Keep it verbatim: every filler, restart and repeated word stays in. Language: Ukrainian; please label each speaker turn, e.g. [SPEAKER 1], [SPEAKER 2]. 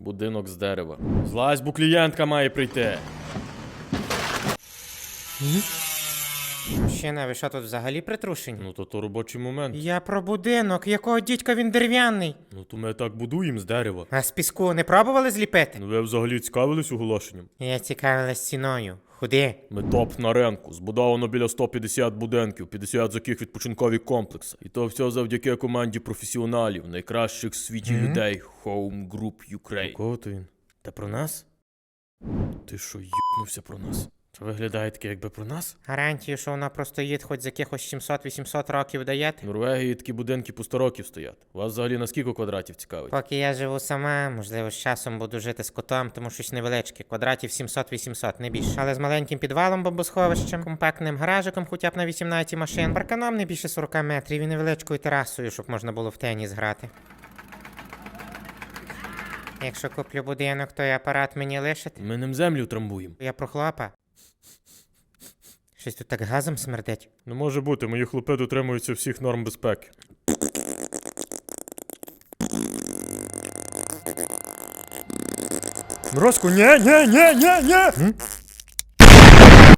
[SPEAKER 1] Будинок з дерева. Злазь, бо клієнтка має прийти.
[SPEAKER 2] Мужчина, ви що тут взагалі притрушені?
[SPEAKER 1] Ну то то робочий момент.
[SPEAKER 2] Я про будинок, якого дідька він дерев'яний.
[SPEAKER 1] Ну то ми так будуємо з дерева.
[SPEAKER 2] А з піску не пробували зліпити?
[SPEAKER 1] Ну ви взагалі цікавились оголошенням?
[SPEAKER 2] Я цікавилась ціною. Худи.
[SPEAKER 1] Ми топ на ринку. Збудовано біля сто п'ятдесят будинків, п'ятдесят з яких відпочинкові комплекси. І то все завдяки команді професіоналів, найкращих в світі
[SPEAKER 2] Мгм.
[SPEAKER 1] людей. Home Group Ukraine. Кого то він? Та про нас? Ти що, їбнувся про нас? Це виглядає таке, якби про нас?
[SPEAKER 2] Гарантію, що вона простоїть хоч з якихось сімсот-вісімсот років даєте?
[SPEAKER 1] В Норвегії такі будинки по сто років стоять. Вас взагалі на скільки квадратів цікавить?
[SPEAKER 2] Поки я живу сама, можливо, з часом буду жити з котом, тому щось невеличке, квадратів сімсот-вісімсот, не більше. Але з маленьким підвалом бомбосховищем, компактним гаражиком хоча б на вісімнадцять машин, парканом не більше сорок метрів і невеличкою терасою, щоб можна було в теніс грати. Якщо куплю будинок, то й апарат мені лишите?
[SPEAKER 1] Ми ним землю трамбуємо.
[SPEAKER 2] Я про хлопа. Щось тут так газом смердить.
[SPEAKER 1] Не може бути, мої хлопи дотримуються всіх норм безпеки. Морозко, ні, ні, ні, ні, ні!